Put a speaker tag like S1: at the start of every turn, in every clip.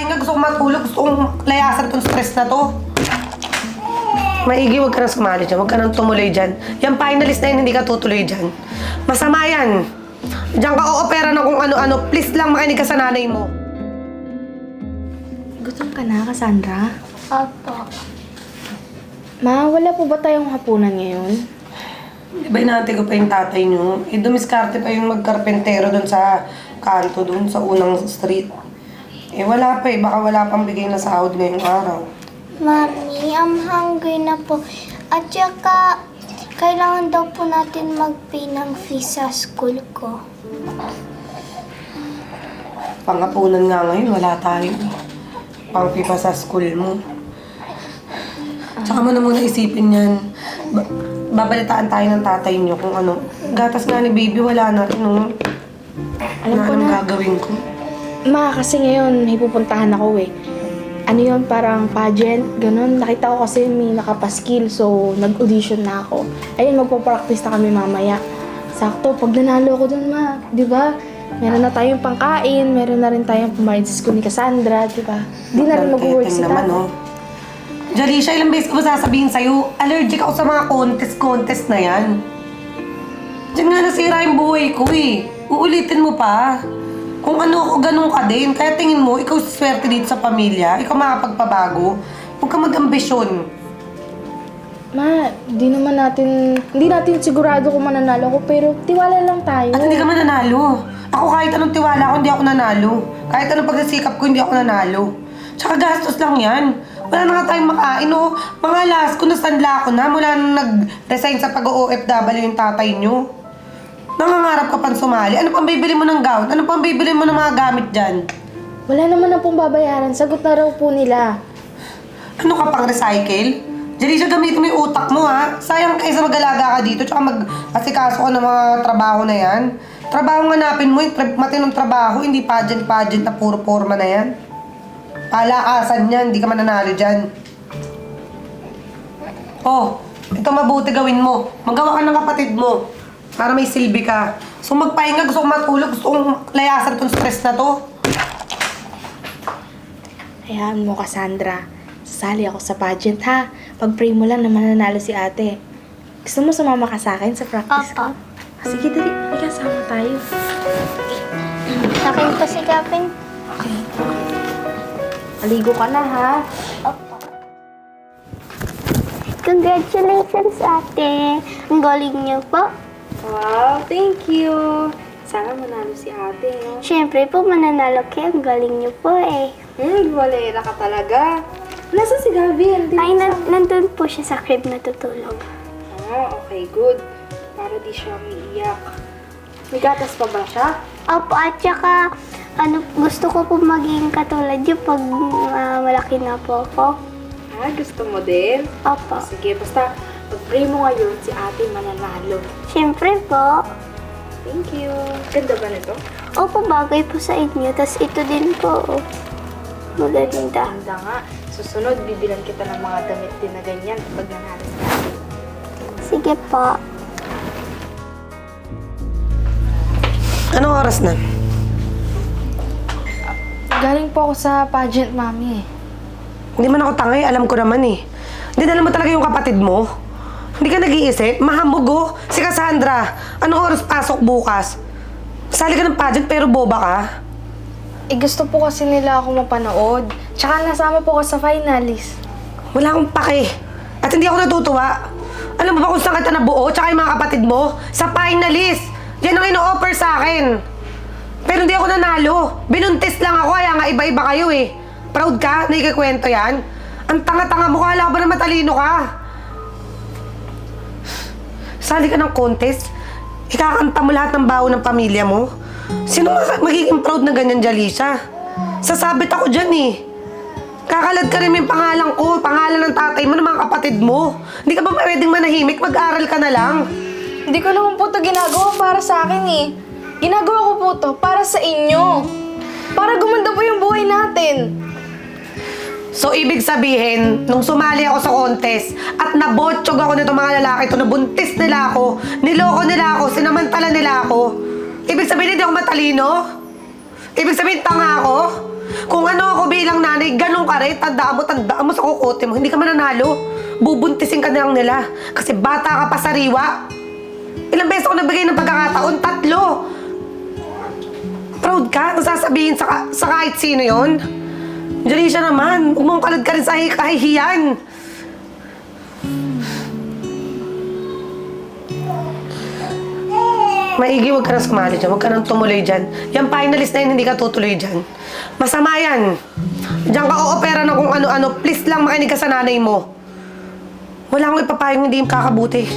S1: magpahinga, gusto kong matulog, gusto kong layasan tong stress na to. Maigi, huwag ka nang sumali dyan, huwag ka nang tumuloy dyan. Yung finalist na yun, hindi ka tutuloy dyan. Masama yan. Diyan ka o-opera ng kung ano-ano, please lang makinig ka sa nanay mo.
S2: Gutom ka na, Cassandra?
S3: Opo.
S2: Ma, wala po ba tayong hapunan ngayon?
S1: Di ba inaantay ko pa yung tatay niyo? Dumiskarte pa yung magkarpentero doon sa kanto doon, sa unang street. Wala pa baka wala pang bigay na sahod ngayong araw.
S3: Mami, I'm hungry na po. At saka, kailangan daw po natin mag-pay ng fee sa school ko.
S1: Pangapunan nga ngayon, wala tayo. Pangpipa sa school mo. Tsaka mo na muna isipin yan. Babalitaan tayo ng tatay niyo kung ano. Gatas nga ni baby, wala na rin. No?
S2: Alam ko na.
S1: Gagawin ko.
S2: Ma, kasi ngayon may pupuntahan ako eh. Ano yun, parang pageant, ganun. Nakita ko kasi may nakapaskil, so nag-audition na ako. Ayun, magpapractice na kami mamaya. Sakto, pag nanalo ako dun, ma, di ba? Meron na tayong pangkain, meron na rin tayong pumayad sa school ni Cassandra, di ba? Di na rin mag-work si
S1: naman,
S2: Tata.
S1: no? Jalisha, ilang beses ko ba sasabihin sa'yo, allergic ako sa mga contest na yan. Diyan nga nasira yung buhay ko eh. Uulitin mo pa. Kung ano ako, ganun ka din. Kaya tingin mo, ikaw swerte dito sa pamilya. Ikaw makapagpabago. Huwag ka mag-ambisyon.
S2: Ma, hindi natin sigurado kung mananalo ko, pero tiwala lang tayo.
S1: At hindi ka mananalo. Ako kahit anong tiwala ko, hindi ako nanalo. Kahit anong pagsisikap ko, hindi ako nanalo. Tsaka gastos lang yan. Wala na nga tayong makain, oh. Mga last ko, nasanla ko na mula nung nag-resign sa pag-OFW yung tatay nyo. Nangangarap ka pang sumali. Ano pang bibili mo ng gown? Ano pang bibili mo ng mga gamit dyan?
S2: Wala naman na pong babayaran. Sagot na raw po nila.
S1: Ano ka pang recycle? Jalisha, gamitin mo yung utak mo, ha? Sayang kaysa mag-alaga ka dito, tsaka mag-asikaso ka ng mga trabaho na yan. Trabaho nga hanapin mo, yung matinong trabaho, hindi pageant na puro forma na yan. Palakasan yan, hindi ka mananalo dyan. Oh, ito mabuti gawin mo. Magawa ka ng kapatid mo. Para may silbi ka. So magpahinga, gusto kong matulog, gusto kong layasan tong stress na to.
S2: Hayaan mo, Cassandra. Sasali ako sa pageant, ha? Pag-pray mo lang na mananalo si ate. Gusto mo sumama ka sa akin sa practice ko?
S3: Opo.
S2: Sige, dali. Halika, sama tayo.
S3: Akin po si Gavin.
S2: Okay. Aligo ka na, ha?
S3: Opo. Congratulations, ate. Ang galing niyo po.
S2: Wow, thank you. Sana manalo si ate, no?
S3: Siyempre po, mananalo kayo. Ang galing niyo po eh.
S2: Walera ka talaga. Nasaan si Gavin?
S3: Ay, nandun po siya sa crib natutulog.
S2: Okay, good. Para di siya umiiyak. May gatas pa ba siya?
S3: Opo, at saka, gusto ko po maging katulad niyo pag malaki na po ako.
S2: Gusto mo din?
S3: Opo.
S2: Sige, basta pag-pray mo ngayon, si ate mananalo.
S3: Siyempre po.
S2: Thank you. Ganda ba nito?
S3: Opo, bagay po sa inyo. Tapos ito din po. Maganda.
S2: Ganda nga. Susunod, bibilan kita ng mga damit din na ganyan pag nanalo si ate.
S3: Sige po.
S1: Anong oras na?
S2: Galing po ako sa pageant, mami.
S1: Hindi man ako tangay, alam ko naman eh. Dinala mo talaga yung kapatid mo? Hindi ka nag-iisip? Mahambog oh. Si Cassandra, anong oras pasok bukas? Sali ka ng pageant pero boba ka?
S2: Gusto po kasi nila ako mapanood. Tsaka nasama po ako sa finalist.
S1: Wala akong pake. At hindi ako natutuwa. Alam mo ba kung saan kita nabuo? Tsaka yung mga kapatid mo? Sa finalist! Yan ang ino-offer sa akin. Pero hindi ako nanalo. Binuntis lang ako, kaya nga iba-iba kayo eh. Proud ka? Nakikikwento yan? Ang tanga-tanga mo, kala ko ba na matalino ka? Sali ka ng contest? Ikakanta mo lahat ng baon ng pamilya mo? Sino magiging proud na ganyan, Jalisha? Sasabit ako dyan eh. Kakalad ka rin yung pangalan ko, pangalan ng tatay mo, ng mga kapatid mo. Hindi ka ba pwedeng manahimik? Mag-aral ka na lang.
S2: Hindi ko naman po ito ginagawa para sa akin eh. Ginagawa ko po ito para sa inyo. Para gumanda po yung buhay natin.
S1: So, ibig sabihin, nung sumali ako sa contest at nabotsyog ako nito mga lalaki to, nabuntis nila ako, niloko nila ako, sinamantala nila ako, ibig sabihin hindi ako matalino? Ibig sabihin tanga ako? Kung ano ako bilang nanay, ganun ka rin. Tandaan mo sa kukote mo. Hindi ka mananalo. Bubuntisin ka na lang nila. Kasi bata ka pa sariwa. Ilang beses ako nabigay ng pagkakataon? 3. Proud ka? Kung sasabihin sa kahit sino yon? Diyan siya naman. Huwag mong kalad ka rin sa kahihiyan. Maigi, huwag ka nang sumali dyan. Huwag ka nang tumuloy dyan. Yung finalist na yun, hindi ka tutuloy dyan. Masama yan. Diyan ka o-opera ng kung ano-ano. Please lang makinig ka sa nanay mo. Wala akong ipapayong hindi kakabuti.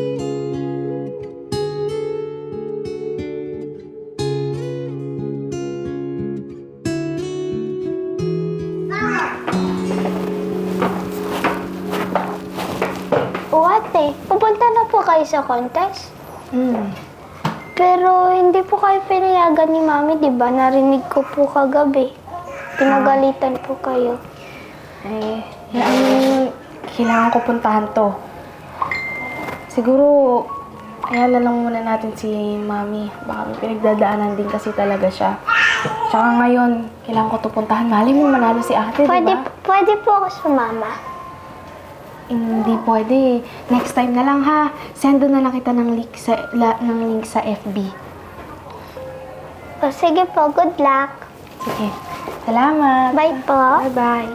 S3: O ate, pupunta na po kayo sa contest?
S2: Hmm.
S3: Pero hindi po kayo pinayagan ni Mami, di ba? Narinig ko po kagabi. Pinagalitan po kayo.
S2: Eh, kailangan ko puntahan to. Siguro, ayala lang muna natin si Mami. Baka may pinagdadaanan din kasi talaga siya. Tsaka ngayon, kailangan ko to puntahan. Mali mo manalo si ate,
S3: Pwede,
S2: diba?
S3: pwede po ako sumama.
S2: Hindi pwede. Next time na lang ha. Send na lang kita ng link sa FB.
S3: O sige po, good luck.
S2: Sige. Salamat.
S3: Bye po.
S2: Bye-bye.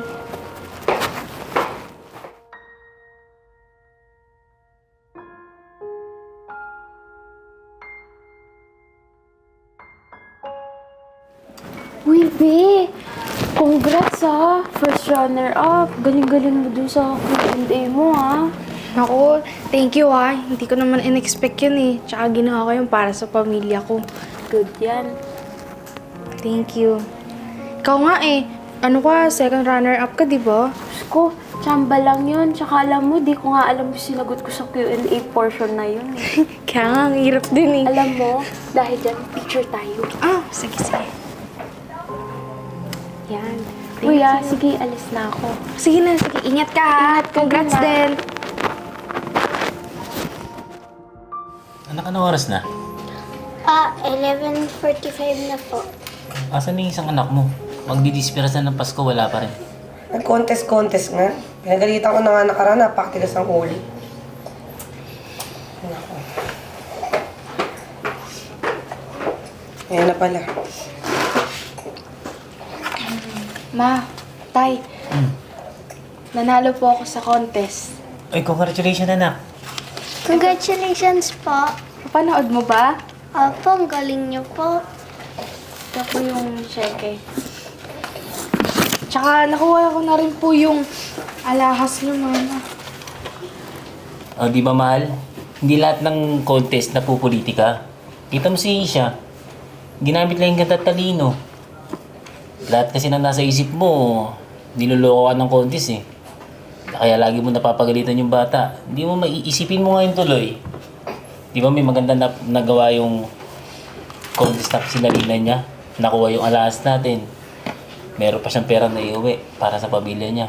S2: Uy, B! Congrats ha! First runner-up. Galing-galing mo dun sa Q&A mo ha. Ako, thank you ha. Hindi ko naman in-expect yun eh. Tsaka ginawa ko yun para sa pamilya ko. Good yan. Thank you. Ikaw nga eh. Ano ka, second runner-up ka, di ba?
S4: Diyos ko, tsamba lang yun. Tsaka alam mo, di ko nga alam yung sinagot ko sa Q&A portion na yun eh.
S2: Kaya nga, ang hirap din eh.
S4: Alam mo, dahil dyan, picture tayo.
S2: Ah, sige, sige.
S4: Yan.
S2: Thank
S4: Kuya,
S2: you.
S4: sige, alis na ako.
S2: Sige na, sige. Ingat ka ha.
S4: Ingat ka
S2: Congrats
S4: din,
S2: din.
S5: Anak, anong oras na?
S3: 11:45 na po.
S5: Asan na yung isang anak mo? Magdidispiras na ng Pasko, wala pa rin.
S1: Nag-contest nga. Pinagalitan ko na nga nakaraan, napakatigas ang ulo. Naku. Ayan na pala.
S2: Ma, Tay, nanalo po ako sa contest.
S5: Ay, congratulations anak.
S3: Congratulations po.
S2: Panood mo ba?
S3: Opo, ang galing niyo po.
S2: Ito po yung cheque. Tsaka nakuha ko na rin po yung alahas niyo, Mama.
S5: O, di ba mahal? Hindi lahat ng contest na pupolitika. Kita mo si Isha. Ginamit lang yung ganda at talino. Lahat kasi na nasa isip mo, niloloko ka ng contest eh. Kaya lagi mo napapagalitan yung bata. Hindi mo maiisipin mo ngayon tuloy. Di ba may maganda na nagawa yung contest na sinalina niya? Nakuha yung alahas natin. Meron pa siyang pera na iuwi para sa pamilya niya.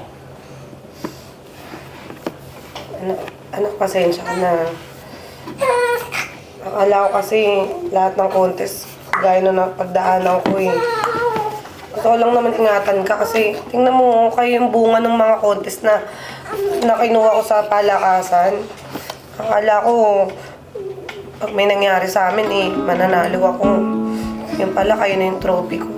S1: Anak, pasensya ka na. Akala ko kasi lahat ng contest, gaya na napagdaanan ko eh. Ito lang naman ingatan ka kasi tingnan mo kayo yung bunga ng mga contest na kinuha ko sa palakasan. Akala ko pag may nangyari sa amin eh, mananalo ako. Yung pala kayo na yung trophy ko.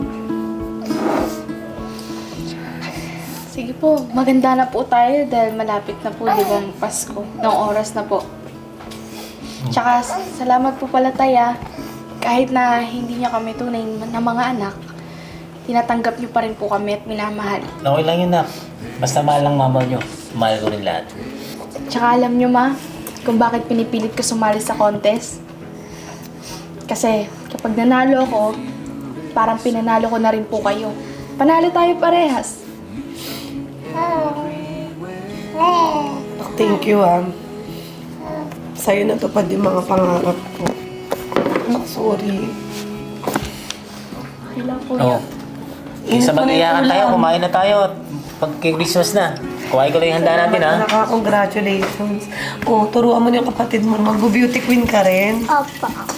S2: Sige po, maganda na po tayo dahil malapit na po, di ba, ang Pasko. Ng oras na po. Tsaka, salamat po pala Taya. Kahit na hindi niya kami tunay na mga anak, tinatanggap niyo pa rin po kami at minamahal.
S5: Okay lang yun, nak. Basta mahal lang mama niyo. Mahal ko rin lahat.
S2: Tsaka alam niyo ma, kung bakit pinipilit ko sumali sa contest? Kasi kapag nanalo ako, parang pinanalo ko na rin po kayo. Panalo tayo parehas.
S1: Thank you Sa'yo natupad yung mga pangarap ko. Anak, sorry.
S2: Okay lang po
S5: Oo. Isa mag-iyakan tayo, kumain na tayo. Pag Christmas na, kuhain ko lang yung handa natin, ha?
S1: Congratulations. Oh, turuan mo na yung kapatid mo. Mag-beauty queen ka rin.
S3: Opo.